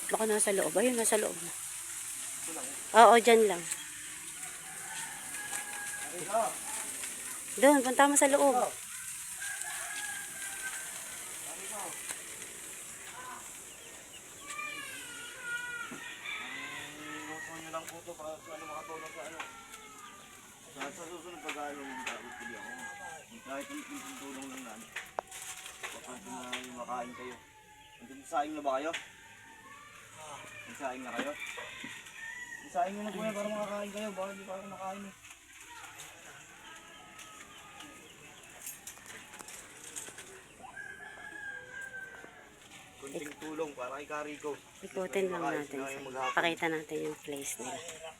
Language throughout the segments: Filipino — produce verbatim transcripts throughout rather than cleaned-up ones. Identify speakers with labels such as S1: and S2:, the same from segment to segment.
S1: Baka nasa loob. Ayun, nasa loob na. Oo, dyan lang. Doon, punta mo sa loob.
S2: Gusto nyo lang po ito para sa ano makatulong sa ano. Sa, sa susunod pag-aaral ng dapat pili ako. Kahit yung tulong lang na ano. Kapag na makain kayo. Nagsasaing na ba kayo? Nagsasaing na kayo? Nagsasaing nyo na po yan para makakain kayo. Baka hindi pa ako nakain eh. Kunting tulong para kay Kariko.
S1: Ikutin lang natin. Pakita natin yung place nila.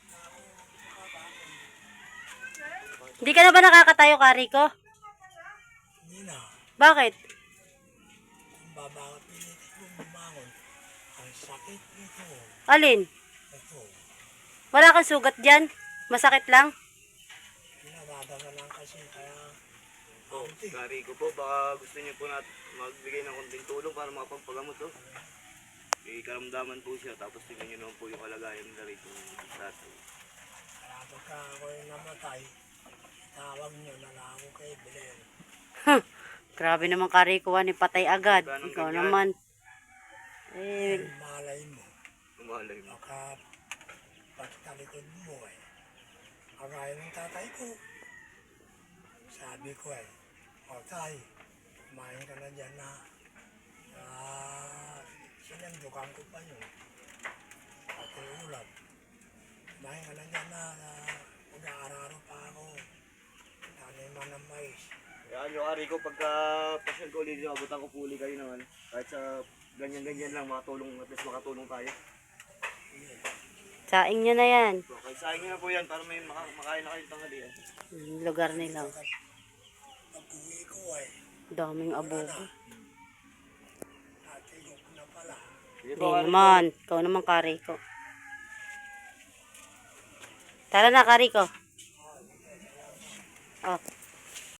S1: Hindi ka na ba nakakatayo, Kariko?
S3: Hindi na.
S1: Bakit?
S3: Kung babakapilit kong bumangon, ang sakit nito.
S1: Alin?
S3: Ito.
S1: Wala kang sugat dyan? Masakit lang?
S3: Pinabadaga lang kasi kaya
S2: Po, Kariko po, baka gusto niyo po natin magbigay ng konting tulong para makapagpagamot to. May karamdaman po siya, tapos tingnan niyo naman po yung kalagayan nila rito ng tatay.
S3: kaya pagka ako'y namatay, tawag nyo na lang ako kay Belen.
S1: Huh. Grabe naman, Kariko, ni patay agad.
S2: Ganun
S1: Ikaw
S2: ganyan.
S1: naman. Eh,
S3: Malay mo,
S2: Umalay mo.
S3: baka pagtalikod mo eh. Kagaya ng tatay ko. Sabi ko eh, o tay, kumain ka na dyan na. Ah, sinandukan ko pa yun. Pati ulam. Kumain ka na dyan na, na mag-aararo pa ako. Taniman ng mais.
S2: Kaya nyo, Kariko, pagka pasyal ko ulit, abutan ko po uli kayo naman. Kahit sa ganyan-ganyan lang, makatulong, at least makatulong tayo.
S1: saing nyo na yan.
S2: So, kaya sayang nyo na po yan para may maka makain na kayo tanghalian.
S1: Yung lugar nila.
S3: Pag-uwi ko eh,
S1: Daming abobo.
S3: natigok na pala.
S2: Sige
S1: Hindi
S2: po, Kariko.
S1: naman. Ikaw naman, Kariko. Tara na, Kariko. Oh.